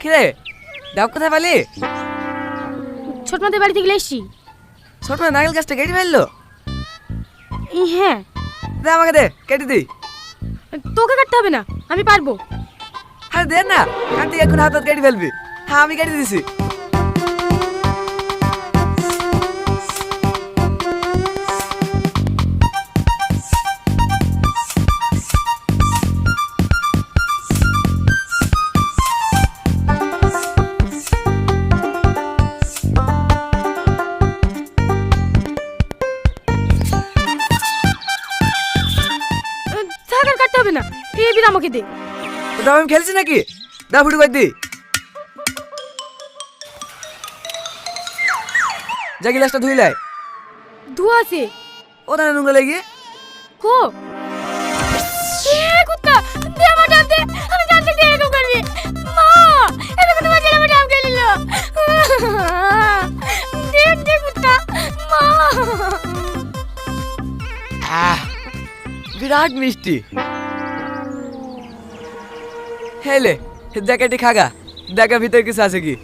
কিরে ডাব কোথায় পালি? ছোট মাদের বাড়ি থেকে এসছি। ছোট মা নারকেল গাছটা কেটে ফেললো? হ্যাঁ। দে আমাকে দে, কেটে দিই। তোকে কাটতে হবে না, আমি পারবো। আরে দে না, কাটতে এখন হাত কেটে ফেলবি। হ্যাঁ আমি কেটে দিছি। থাক আর কাটতে হবে না, এবার আমাকে দে। দাম আমি খেলছি নাকি? দা ফুটু করে দি। যা গিলাসটা ধুইলাই। ধোয়া আছে। ও দানা নোংরা লেগে। কো কুত্তা দে আমার ডাব দে, আমি জানতে দিয়ে এরকম করবি। মা এটা তো তোমার ছেলে আমার ডাব খেয়ে নিল। দে দে কুত্তা মা। বিরাট মিষ্টি। হেলে দেখাটি খাগা, দেখা ভিতরে কিছু আছে কি।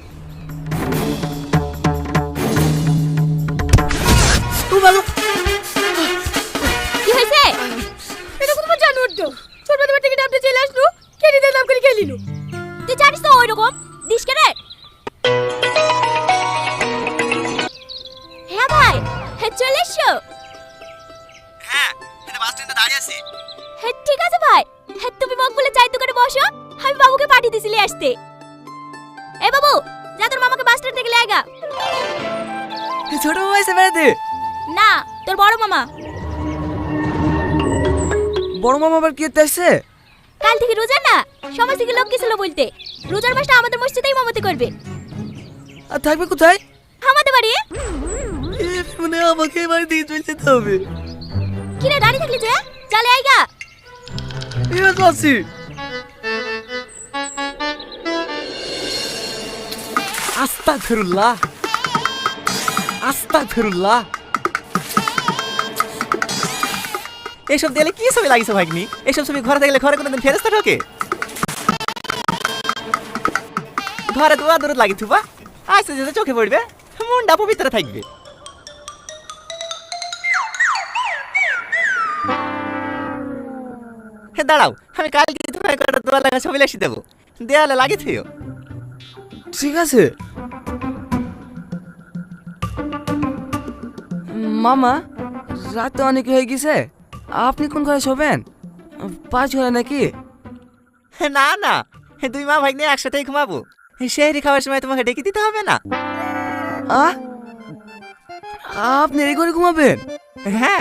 কি হয়েছে? এটা তো তোমার জানো তো, ছোট বাড়ি থেকে ডাবতে চলে আসলো, কেটে দিয়ে দাম করে খেয়ে নিল। তুই জানিস তো ওই রকম দিস কে রে? হ্যাঁ ভাই, হ্যাঁ চলে এসো। হ্যাঁ এটা বাস স্ট্যান্ডে দাঁড়িয়ে আছি। হ্যাঁ ঠিক আছে ভাই, হ্যাঁ তুমি মুখ বলে চাই দোকানে বসো, আমি বাবুকে পাঠিয়ে দিছিলি আসতে। এ বাবু যা তোর মামাকে বাস স্ট্যান্ড থেকে লাগা। ছোট মামা এসে বেড়াতে? না তোর বড় মামা। বড় মামা আবার কি করতে আসছে? কাল থেকে রোজা না, সমাজ থেকে লোক গেছিল বলতে, রোজার মাসটা আমাদের মসজিদেই ইমামতি করবে। আর থাকবে কোথায়? আমাদের বাড়ি। মানে আমাকে বাড়ি দিয়ে চলে যেতে হবে। কি রে দাঁড়িয়ে থাকলি যে, চলে আইগা। এবার তো আছি। আস্তাগফিরুল্লাহ, আস্তাগফিরুল্লাহ। এইসব দিলে কি ছবি লাগিস ভাগ্নি? এইসব ছবি ঘরে থাকলে ঘরে কোনোদিন ফেরেস্তা ঢোকে? ঘরে তো আদর লাগি থুবা, আস্তে যেতে চোখে পড়বে, মনটা পবিত্র থাকবে। দাঁড়াও, আমি কালকে তোমার একটা দোয়া লাগা ছবি লাসি দেবো, দেয়ালে লাগি থিও। ঠিক আছে মামা, রাত তো অনেক হয়ে গেছে, আপনি কোন ঘরে শোবেন? পাঁচ ঘরে নাকি? না না, দুই মা ভাগ্নে একসাথেই ঘুমাবো। সেহরি খাওয়ার সময় তোমাকে ডেকে দিতে হবে না। আপনি এই ঘরে ঘুমাবেন? হ্যাঁ।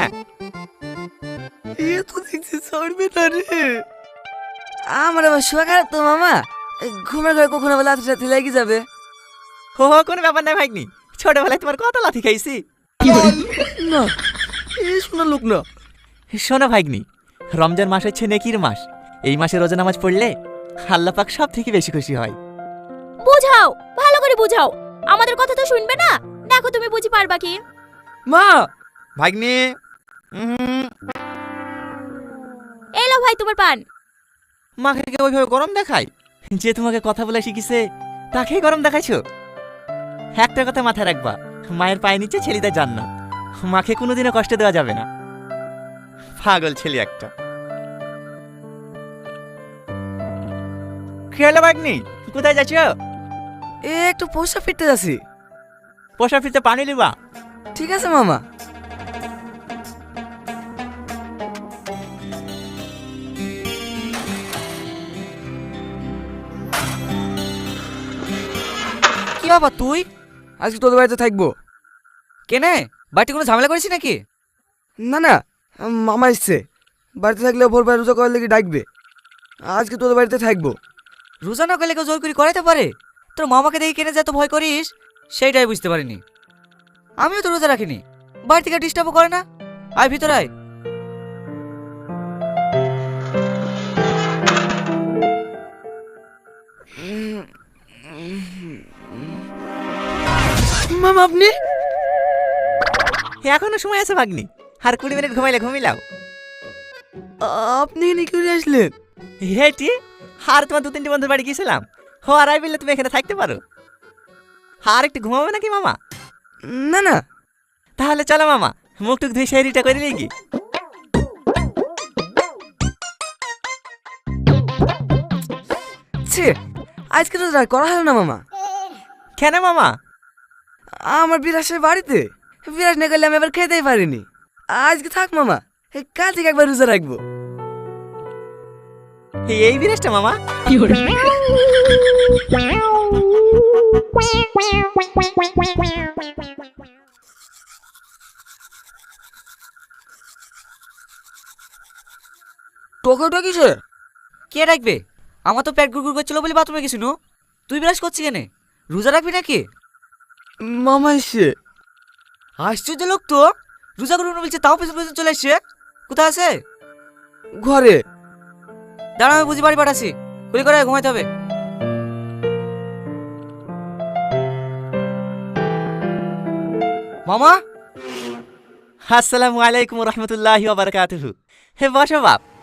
এ তো দেখছি ছাড়বে না রে। আমার আবার শোয়া খারাপ তো মামা, ঘুমের ঘরে কখনো আবার লাথি সাথে লেগে যাবে। হো হো কোনো ব্যাপার নাই ভাগ্নি, ছোটবেলায় তোমার কত লাথি খাইছি। না এ শোনা লোক না। শোনো ভাগ্নি, রমজান মাস হচ্ছে নেকির মাস। এই মাসে রোজা নামাজ পড়লে আল্লাহ পাক সব থেকে বেশি খুশি হয়। বুঝাও, ভালো করে বুঝাও, আমাদের কথা তো শুনবে না। দেখো তুমি বুঝি পারবা কি। মা ভাগ্নি এলো ভাই তোমার পান। মাকে কে ওইভাবে গরম দেখায়? যে তোমাকে কথা বলে শিখিছে তাকেই গরম দেখাইছো? একটা কথা মাথায় রাখবা, মায়ের পায়ে নিচে ছেলেদের জান্নাত, মাকে কোনোদিনও কষ্ট দেওয়া যাবে না। পাগল ছেলে একটা। কি হলো ভাগ্নি, কোথায় যাচ্ছ? এ একটু পোষা ফিরতে যাচ্ছি। পোষা ফিরতে পানি লিবা? ঠিক আছে মামা। কি বাবা তুই? আজকে তোদের বাড়িতে থাকবো। কেনে বাড়িতে কোনো ঝামেলা করেছি নাকি? না না, মামা এসছে, বাড়িতে থাকলে ভোরবেলা রোজা করার লেগে ডাকবে। আজকে তোদের বাড়িতে থাকবো। রোজা না করলে কেউ জোর করে করাইতে পারে? তোর মামাকে দেখে কেনে যত ভয় করিস সেইটাই বুঝতে পারিনি। আমিও তো রোজা রাখিনি, বাড়ি থেকে ডিস্টার্বও করে না। আয় ভিতরে আয়। মামা আপনি? এখনো সময় আছে ভাগ্নি, আর 20 মিনিট ঘুমাইলে ঘুমিলাও। আপনি এখানে কি করে আসলেন? হেটি আর তোমার 2-3টি বন্ধুর বাড়ি গিয়েছিলাম, ও আড়াই বিলে তুমি এখানে থাকতে পারো। আর একটু ঘুমাবে নাকি মামা? না না, তাহলে চলো মামা, মুখ টুক ধুয়ে শেরিটা করে নিয়ে কি। ছি, আজকে তো আর করা হলো না মামা। কেন মামা? আমার বিরাসের বাড়িতে বিরাস না করলে আমি আবার খেতেই পারিনি। আজকে থাক মামা, কাল থেকে একবার রোজা রাখবো। এই বিরাজটা মামা? টোকা কিসে? কে রাখবে? আমার তো পেট গুড়গুড় করছিল বলে বাথরুমে গেছিল। তুই বিরাজ করছিস কেন? রোজা রাখবি নাকি? মামা এসে আশ্চর্য লোক তো, রোজা করবো না বলছে, তাও পেছন পেছন চলে আসছে। কোথায় আছে? ঘরে। দাঁড়া, আমি বুঝি বাড়ি পাঠাচ্ছি। গুলি করে ঘুমাইতে হবে। মামা, আসসালামু আলাইকুম রহমতুল্লাহি ওয়া বারাকাতুহু। হে বসো বাপ।